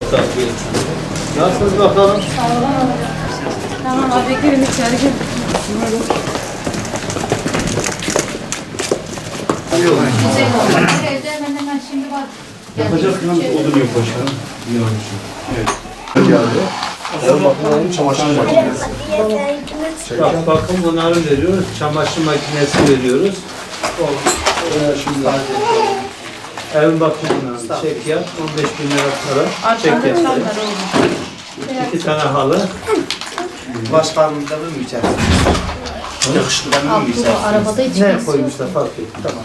Nasılsınız bakalım? Sağ olun. Tamam abi girin içeri gir. Güzel oldu. Hemen şimdi bak. Yapacak yalnız odun yok başkanım. İyi olmuşsun. Evet. Geldi. El bakımının çamaşır makinesi. Bak, bakın bunları veriyoruz. Çamaşır makinesi veriyoruz. Şimdi ev bakımından çek yap. 15.000 lira para. Çek yap. 2 tane halı. Başkanım da mı içersin? Yakışıklı da mı içersin? Arabada hiç Ne koymuşlar fark et. Tamam.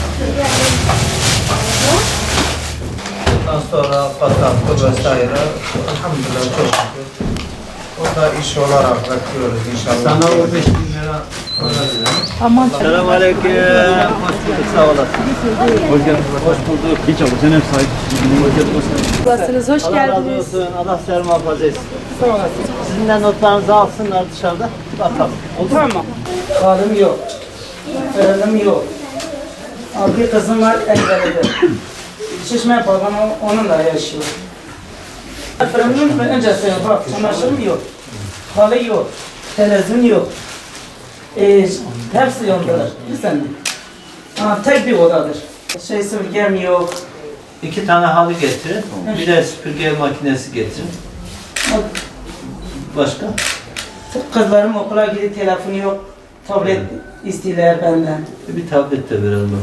Ondan sonra patatlı vesaire. Elhamdülillah çok şükür. O da iş olarak bakıyoruz inşallah. Sana 15.000 lira para verelim. Aman. Selamünaleyküm. Hoş bulduk. Sağ olasın. Hoş geldiniz. Hoş bulduk. Hiç abi sen hep sahip. Hoş geldiniz. Nasılsınız? Hoş Allah razı geldiniz. olsun. Allah sizi muhafaza etsin. Sağ olasın. Sizin de notlarınızı alsınlar dışarıda. Bakalım. Olur mu? Tamam. Karım yok. Fırınım yok. Bir kızım var Engelli'de. Şişme babam onunla yaşıyor. Fırınım öncesi yok. Bak çamaşırım yok. Halı yok. Televizyon yok. Hepsi yandılar. Bir sene. Tek bir odadır. Süpürgem yok. 2 tane halı getirin. Bir de süpürge makinesi getirin. Başka? Kızlarım okula gidiyor, telefonu yok. Tablet istiyorlar benden. Bir tablet de verelim.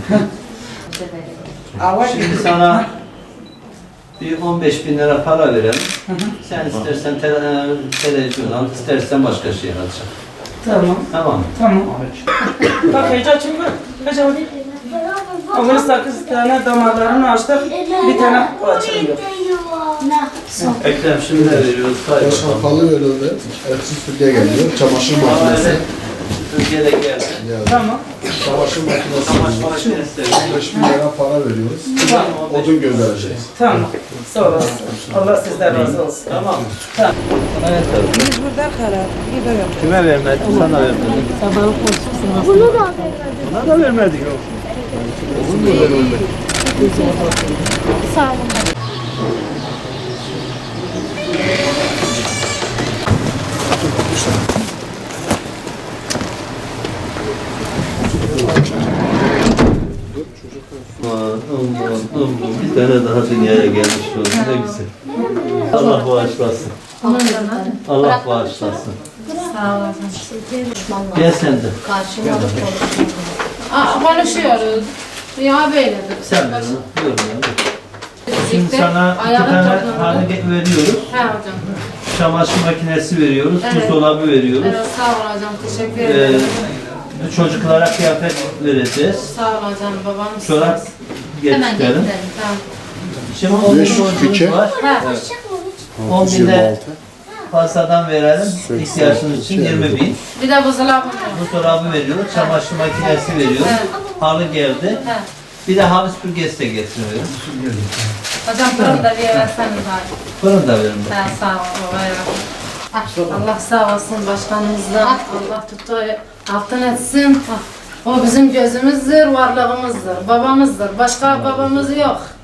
Avaş Şimdi sana bir 15.000 lira para verelim. Sen istersen televizyon al, istersen başka şey alacak. Tamam. Tamam mı? Tamam. Bak heyecan çünkü. Heyecan. Ama 8 tane damarlarını açtık. Bir tane açılıyor. Ekrem şimdi ne veriyoruz? Say bakalım. Halı verildi. Etsiz süpürge geliyor. Çamaşır makinesi. Süpürge de geldi. Geldi. Tamam. Çamaşır makinesi. Çamaşır makinesi de veriyoruz. 15.000 lira para veriyoruz. Odun göndereceğiz. Tamam. Sağ olasın. Allah sizden razı olsun. Tamam. Tamam. Evet tabii. Biz burada karar. Kime vermedik? Sana vermedik. Sabahı konuşursunuz. Buna da vermedik. Olur mu vermedik? Sağ olun. Aman, bir tane daha dünyaya gelmiş oldu. Ne güzel. Allah bağışlasın. Allah bağışlasın. Sağ olasın. Gel sen de. Konuşuyoruz. Ya böyledir. Sen de. Şimdi sana 2 tane halı veriyoruz. He hocam. Çamaşır makinesi veriyoruz. Evet. Buzdolabı veriyoruz. Evet, sağ ol hocam. Teşekkür ederim. Çocuklara kıyafet vereceğiz. Sağ ol hocam. Babam Çorap Hemen getirelim. getirelim. Tamam. Şimdi 10 bin 502. borcumuz var. He. 10 bin de fazladan verelim. İhtiyacınız için 20 bin. Bir de buzdolabı var. Buzdolabı veriyoruz. Çamaşır makinesi veriyoruz. Evet. Halı geldi. He. Bir de halı süpürgesi de getiriyoruz. Hocam fırın da bir verseniz abi. Fırın da verin. He, sağ ol. Allah sağ olsun başkanımızdan. Allah tuttuğu altın etsin. O bizim gözümüzdür, varlığımızdır, babamızdır. Başka babamız yok.